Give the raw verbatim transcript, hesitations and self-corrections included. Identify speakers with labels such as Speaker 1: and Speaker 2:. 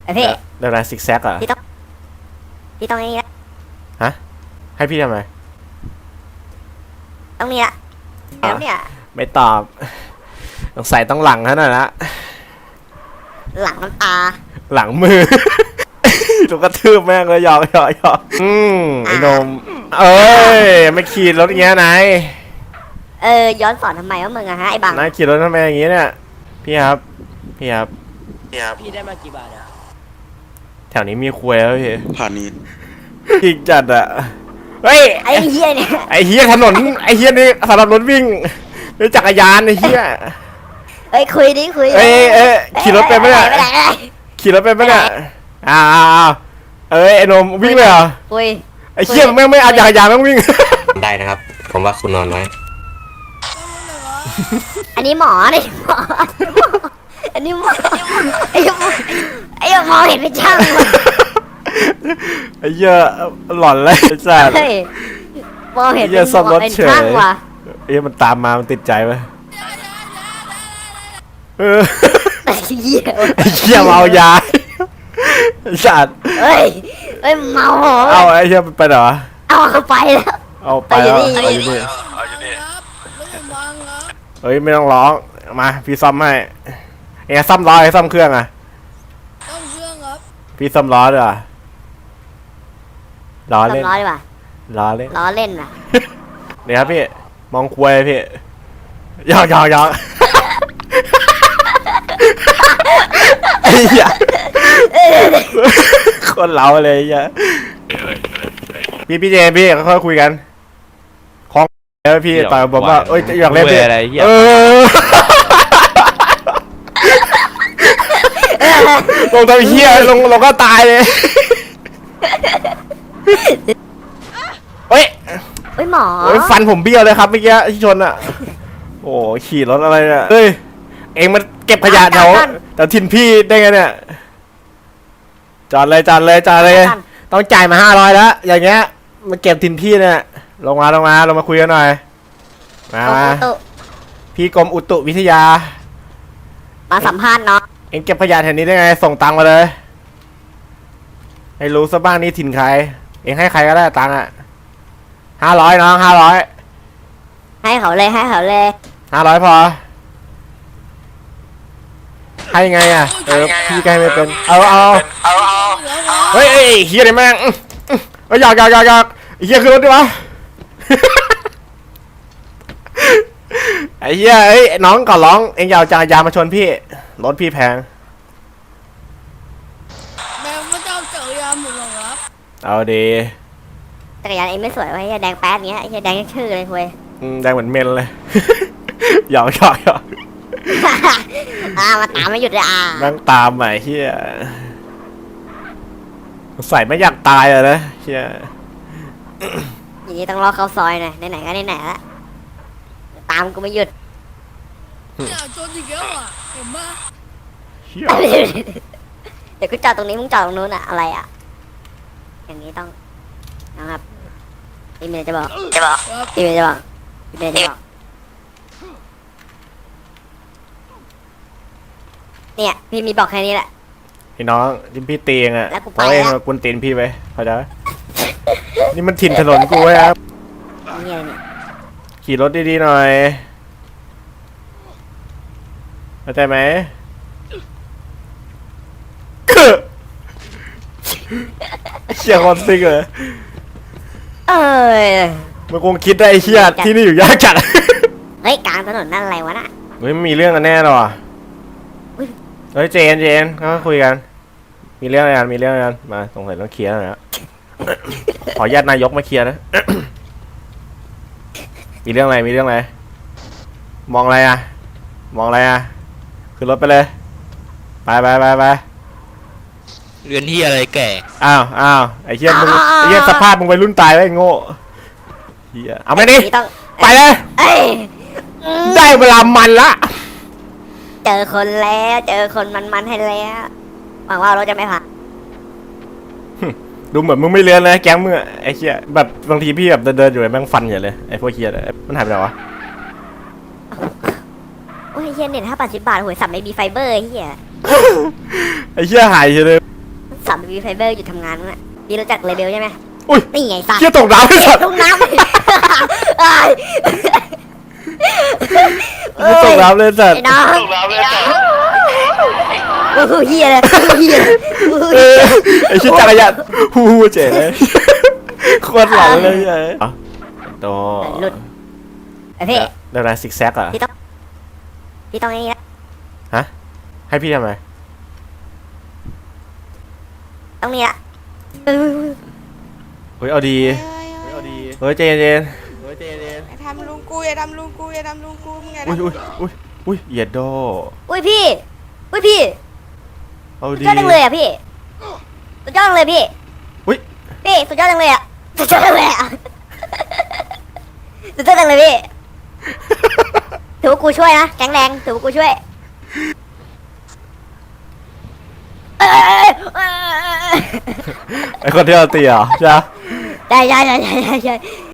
Speaker 1: ไอพี่
Speaker 2: เดี๋ยวนะซิกแซกเหรอ
Speaker 1: พี่ต้องพี่ต้องนี่ละ
Speaker 2: ฮะให้พี่ทำไม
Speaker 1: ต้องนี่ละแล้วเนี่ย
Speaker 2: ไม่ตอบต้องใส่ต้องหลังเท่านั้นละ
Speaker 1: หลังน้ำตา
Speaker 2: หลังมือถูกกระทืบแม่งเลยหยอกหยอกหยอกอืมไอ้นมเอ้ยไม่ขี่รถอย่างเงี้ยนาย
Speaker 1: เออย้อนสอนทำไมวะมึงอะฮะไอ้บัง
Speaker 2: นายขี่รถทำไมอย่างงี้เนี่ยพี่ครับพี่ครับ
Speaker 3: พี่ครับพี่ได้มากี่บาทอะ
Speaker 2: แถวนี้มีควยแล้วพี่
Speaker 3: ผ่านนี้
Speaker 2: อีกจัดอะเฮ้ย
Speaker 1: ไอ้เฮียเนี่ย
Speaker 2: ไอ้เฮียถนนไอ้เฮียนี่สำหรับรถวิ่งนี่จักรยานไอ้เฮีย
Speaker 1: เอ้ยคุยดิคุย
Speaker 2: เอ้ยเอ้ยขี่รถเป็นไหมเนี่ยขี่รถเป็นไหมเนี่ยอ้าวเอ้ยไอ้นมวิ่งเลยเหรอ
Speaker 1: คุย
Speaker 2: ไอ้เฮียแม่งไม่เอาจักรยานแม่งวิ่ง
Speaker 4: ได้นะครับผมว่าคุณนอนไว้
Speaker 1: อันนี้หมอนี่หมออันนี้หมอไอ้หมอไอ้หมอเห็นเป็นช่าง
Speaker 2: ไอ้เหี้ยหลอนเลยไอ้สัส
Speaker 1: มองเห็นเป็นช่างว่ะ
Speaker 2: ไอ้มันตามมามันติดใจไหมเออ
Speaker 1: ไอ้เหี้ย
Speaker 2: ไอ้เหี้ยเมายาไอ้สัส
Speaker 1: เฮ้ยเฮ้ยเมา
Speaker 2: เอาไอ้เหี้ยไปเหรอ
Speaker 1: เอาเขาไปแล้ว
Speaker 2: เอาไปแล้วเอาอยู่นี่เฮ้ยไม่ต้องร้องมาพี่ซ่อมให้เอ็งซ่อมล้อไอ้ซ่อมเครื่องอ่ะ
Speaker 5: ซ่อมเครื่องครับ
Speaker 2: พี่ซ่อมล้อด้วยล้อเล่น
Speaker 1: ล้อดีกว่า
Speaker 2: ล้อเล่น
Speaker 1: ล้อเล่นอ่ะ
Speaker 2: เนี่ยครับพี่มองควยพี่ยอกยอกยอกไอ้เหี้ยคนเราเลยไอ้เหี้ยพี่พี่เจพี่ค่อยคุยกันคล้องแล้วพี่ต่อยผมว่าเอ้ยอยากเล่นพี่เออลงตัวเหี้ยลงลงก็ตายเลยเฮ้ย
Speaker 1: เฮ้ยหมอ
Speaker 2: โอ้ยฟันผมเบี้ยวเลยครับเมื่อกี้ที่ชนอ่ะโอ้ขี่รถอะไรเนี่ยเฮ้ยเองมันเก็บขยะแถวแต่ทินพี่ได้ไงเนี่ยจอดเลยจอดเลยจอดเลยต้องจ่ายมาห้าร้อยแล้วอย่างเงี้ยมาเก็บทินพี่เนี่ยลงมาลงมาลงมาคุยกันหน่อยมาพี่กรมอุตุวิทยา
Speaker 1: มาสัมภาษณ์เนาะ
Speaker 2: เองเก็บขยะแถวนี้ได้ไงส่งตังค์มาเลยให้รู้ซะบ้างนี่ถิ่นใครเองให้ใครก็ได้ตังค์อ่ะห้าร้อยน้องห้าร้อย
Speaker 1: ให้เขาเลยให้เขาเลย
Speaker 2: ห้าร้อยพอให้ไงอ่ะเออพี่ใกล้ไม่เป็นเอาเอาเฮ้ยเฮียอะไรแม่งเฮ้ยอยากอยากอยากอยากเฮียขึ้นรถดิวะไอ้เฮียไอ้น้องก่อนร้องเอ็งอยากจักรยานมาชนพี่รถพี่แพง
Speaker 5: แม่ไม่ต้องจักรยานหมดหรอครับ
Speaker 2: เอาดี
Speaker 1: จักรยานเองไม่สวยไว้แดงแป๊ดเงี้ยไอ้แดงชื่อเลยคุย
Speaker 2: แดงเหมือนเมนเลยหยอกหยอกหยอก
Speaker 1: อ่ามาตามไม่หยุดเลยอ่ะ
Speaker 2: นั่งตามใหม่เฮียใส่ไม่อยากตายเลยนะเฮีย
Speaker 1: อย่างนี้ต้องรอเข้าซอยหน่อยไหนๆก็ไหนๆละตามกูไม่หยุด
Speaker 5: เนี่ยจนอีกแล้วอ่ะเห็นปะ
Speaker 1: เดี๋ยวกูจอดตรงนี้มึงจอดตรงนู้นอะอะไรอะอย่างนี้ต้องนะครับอีเมลจะบอกจะบอกอีเมลจะบอกอีเมลจะบอกเนี่ยพี่มีบอกแค่นี้แหละ
Speaker 2: พี่น้องที่พี่ตีเองอะเพราะเองกุนตีนพี่ไปเข้าใจนี่มันถิ่นถนนกูไว้ครับขี่รถดีๆหน่อยเข้าใจไหมเชี่ยคอนซิกเลย
Speaker 1: เอ้ย
Speaker 2: มันคงคิดได้ไอ้เชี่ยที่นี่อยู่ยากจัด
Speaker 1: เฮ้ยกลางถนนนั่นอะไรวะน่ะ
Speaker 2: เฮ้ยมีเรื่องกันแน่หรอเฮ้ยเจนเจนเขาคุยกันมีเรื่องอะไรกันมีเรื่องอะไรกันมาสงสัยต้องเคลียร์นะขอญาตินายกมาเคลียร์นะมีเรื่องอะไรมีเรื่องอะไรมองอะไรอะมองอะไรอะขึ้นรถไปเลยไปไปไปไป
Speaker 4: เรียนที่อะไรแก่
Speaker 2: อ้าวอ้าวไอ้เหี้ยมึงไอ้เหี้ยสภาพมึงไปรุ่นตายไว้โง่เหี้ยเอาไปดิไปเลยได้เวลามันละ
Speaker 1: เจอคนแล้วเจอคนมันๆให้แล้วหวังว่ารถจะไม่ผ่าน
Speaker 2: ดูเหมือนมึงไม่เรียนเลยแก๊งมึงไอ้เหี้ยแบบบางทีพี่แบบเดินๆอยู่แม่งฟันอย่างเลยไอ้พวกเหี้ยเลยมันหายไปไหนวะ
Speaker 1: โอ้ยเหี้ยเน็ตห้าบาทสิบบาทหวยสับไม่มีไฟเบอร์เหี้ย
Speaker 2: ไอ้เหี้ยหายเลย
Speaker 1: สามบีไฟเบอร์หยุดทำงานมั้งอ่ะพี่รู้จักเลเบลใช่ไหม
Speaker 2: อุ้ย
Speaker 1: นี่ไงสัตว์
Speaker 2: เชี่ยตกน้ำไอ้สัตว์
Speaker 1: ตกน้ำไอ้
Speaker 2: ไม่ตกน้ำเลยสัตว์
Speaker 1: ไอ้น้องตกน้ำเลยโอ้โหเฮียเลยเฮียเลยโอ้โห
Speaker 2: เอ
Speaker 1: เหี้
Speaker 2: อย ไอ้ชิ้นจักรยานฮู้ฮู้เจ๋เลยโคตรหลังเลยไอ้อะโต
Speaker 1: หลุดไอ้พี่
Speaker 2: เดี๋ยวนะซิกแซกเหรอ
Speaker 1: พี่ต้องพี่ต้องไอ้นี่ละ
Speaker 2: ฮะให้พี่ทำไม
Speaker 1: ต้องนี่ละ
Speaker 2: เฮ้ยเอาดี
Speaker 6: เฮ้ยเฮ้ย
Speaker 2: เฮ้ยเอาดีเฮ้ยเจนเจนเฮ้ยเจนเจน
Speaker 6: อย่าทำลุงกูอย่าทำลุงกูอย่าทำลุงกูมึงอย่า
Speaker 2: อุ้ย
Speaker 6: ทำ
Speaker 2: อุ้ยอุ้ยอุ้ยเหยียดโด
Speaker 1: อุ้ยพี่อุ้ยพี่
Speaker 2: เอา
Speaker 1: สุด
Speaker 2: ดี
Speaker 1: ยอดจังเลยอ่ะพี่สุดยอดจังเลยพี่
Speaker 2: อุ้ย
Speaker 1: พี่สุดยอดจังเลยอ่ะสุดยอดจังเลยอ่ะสุดยอดจังเลยพี่ถือว่ากูช่วยนะแข็งแรงถือว่ากูช่วยเอ้ยเอ้ยเอ้ยเอ้ย
Speaker 2: ไอคนที่เราตีเหรอใช่ปะ
Speaker 1: ใช่ใช่ใช่ใช่ใช่